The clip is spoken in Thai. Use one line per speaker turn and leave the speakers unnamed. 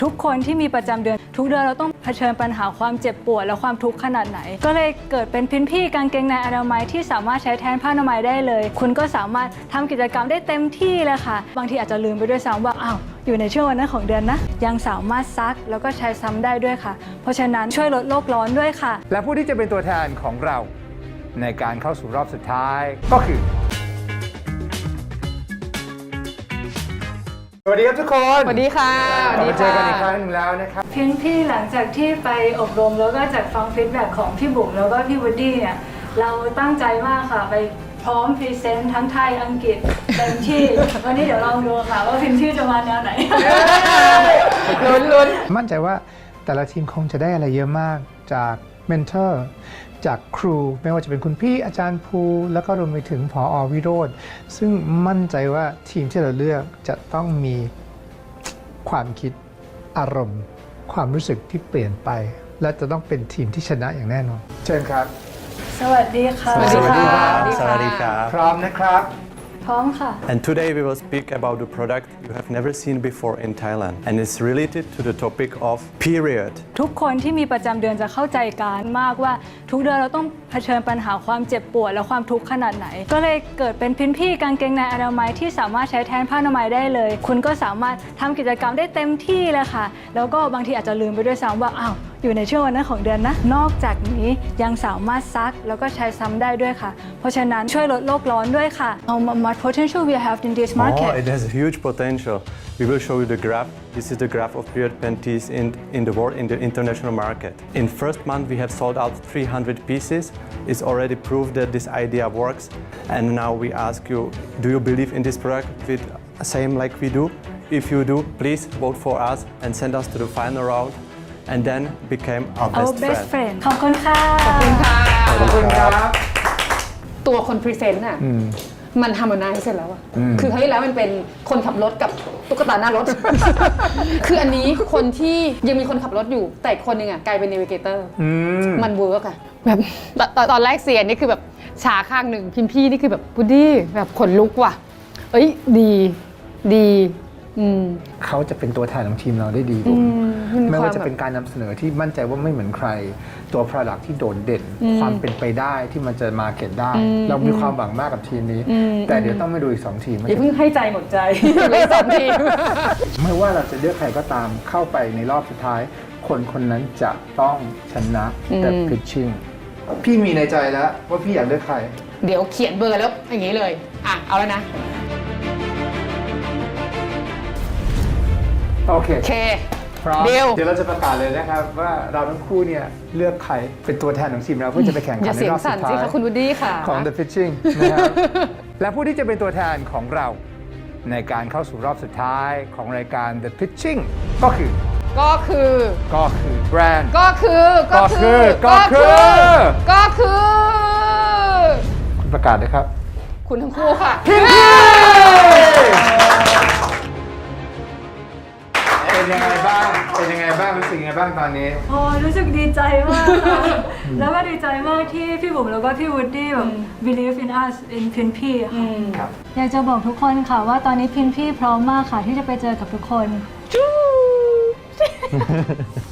ทุกคนที่มีประจำเดือนทุกเดือนเราต้องเผชิญปัญหาความเจ็บปวดและความทุกข์ขนาดไหนก็เลยเกิดเป็นพินพี่กางเกงในอนามัยที่สามารถใช้แทนผ้าอนามัยได้เลยคุณก็สามารถทำกิจกรรมได้เต็มที่เลยค่ะบางทีอาจจะลืมไปด้วยซ้ำว่าอ้าวอยู่ในช่วงวันนั้นของเดือนนะยังสามารถซักแล้วก็ใช้ซ้ำได้ด้วยค่ะเพราะฉะนั้นช่วยลดโลกร้อนด้วยค่ะ
และผู้ที่จะเป็นตัวแทนของเราในการเข้าสู่รอบสุดท้ายก็คือสวัสดีครับทุกคน
สวัสดีค่ะ
มาเจอกันอีกครั้งหนึ่งแล้วนะครับ
พินพี่หลังจากที่ไปอบรมแล้วก็จากฟังฟีดแบ็กของพี่บุ๋มแล้วก็พี่วูดดี้เนี่ยเราตั้งใจมากค่ะไปพร้อมพรีเซนต์ทั้งไทยอังกฤษเต็มที่วันนี้เดี๋ยวลองดูค่ะว่าพินพี่จะมาแนวไหน
ลุ้น
มั่นใจว่าแต่ละทีมคงจะได้อะไรเยอะมากจากเมนเทอร์จากครูไม่ว่าจะเป็นคุณพี่อาจารย์ภูแล้วก็รวมไปถึงผอ.วิโรจน์ซึ่งมั่นใจว่าทีมที่เราเลือกจะต้องมีความคิดอารมณ์ความรู้สึกที่เปลี่ยนไปและจะต้องเป็นทีมที่ชนะอย่างแน่นอนเชิญครับ
สวัสดีค่ะ
สวัสดีค่ะ
สวัสดีครับ
พร้อมนะครับ
พร้อมค่ะ
And today we will speak about the product you have never seen before in Thailand and it's related to the topic of period
ทุกคนที่มีประจำเดือนจะเข้าใจกันมากว่าทุกเดือนเราต้องเผชิญปัญหาความเจ็บปวดและความทุกข์ขนาดไหนก็เลยเกิดเป็นพินพี่กางเกงในอนามัยที่สามารถใช้แทนผ้าอนามัยได้เลยคุณก็สามารถทำกิจกรรมได้เต็มที่เลยค่ะแล้วก็บางทีอาจจะลืมไปด้วยซ้ำว่าอ้าวอยู่ในช่วงวันนั้นของเดือนนะนอกจากนี้ยังสามารถซักแล้วก็ใช้ซ้ำได้ด้วยค่ะเพราะฉะนั้นช่วยลดโลกร้อนด้วยค่ะ What potential we have in this market
it has a huge potential we will show you the graph this is the graph of period panties in the world in the international market in first month we have sold out 300 pieces it's already proved that this idea works and now we ask you do you believe in this product with same like we do if you do please vote for us and send us to the final round and then became our best
friend ขอบคุณค่ะ
ขอบคุณค่ะ
ขอบคุณครับ
ตัวคนพรีเซนต์น่ะมันทำมานานเสร็จแล้วอะคือครั้งที่แล้วมันเป็นคนขับรถกับตุ๊กตาหน้ารถ คืออันนี้คนที่ยังมีคนขับรถอยู่แต่คนหนึ่งอะกลายเป็นเนวิเกเตอร์มันเวิร์กอะแบบตอนแรกเสียนี่คือแบบชาข้างหนึ่งพิมพี่นี่คือแบบพุดดี้แบบขนลุกว่ะเอ้ยดี
เขาจะเป็นตัวแทนของทีมเราได้ดีกว่าไม่ว่าจะเป็นการนำเสนอที่มั่นใจว่าไม่เหมือนใครตัว Product ที่โดดเด่นความเป็นไปได้ที่มันจะมาเก็ตได้ เรามีความหวังมากกับทีมนี้แต่เดี๋ยวต้องไปดูอีก2ทีม
อย่าเพิ่งให้ใจหมดใจเลย2ทีม
ไม่ว่าเราจะเลือกใครก็ตามเข้าไปในรอบสุดท้าย คนนั้นจะต้องชนะแต่พิชชิ่งพี่มีในใจแล้วว่าพี่อยากเลือกใคร
เดี๋ยวเขียนเบอร์แล้วอย่างนี้เลยอ่ะเอาแล้วนะ
โอเคพร้อม
เ
ดี๋ยวเราจะประกาศเลยนะครับว่าเราทั้งคู่เนี่ยเลือกใครเป็นตัวแทนของทีมเราเพื่อจะไปแข่งขันในรอบสุดท้าย
คุณวูดดี้ค่ะ
ของ The Pitching นะครับและผู้ที่จะเป็นตัวแทนของเราในการเข้าสู่รอบสุดท้ายของรายการ The Pitching ก็คือแบรนด์
ก็คือ
คุณประกาศเลยครับ
คุณทั้งคู่ค่ะ
เป็นยังไงบ้างรู้สึกยังไงบ้างตอนนี้
โอ้รู้สึกดีใจมากค่ะ แล้วก็ดีใจมากที่พี่บุ๋มแล้วก็พี่วูดดี้แบบ believe in us in พินพี่ค่ะอยากจะบอกทุกคนค่ะว่าตอนนี้พินพี่พร้อมมากค่ะที่จะไปเจอกับทุกคน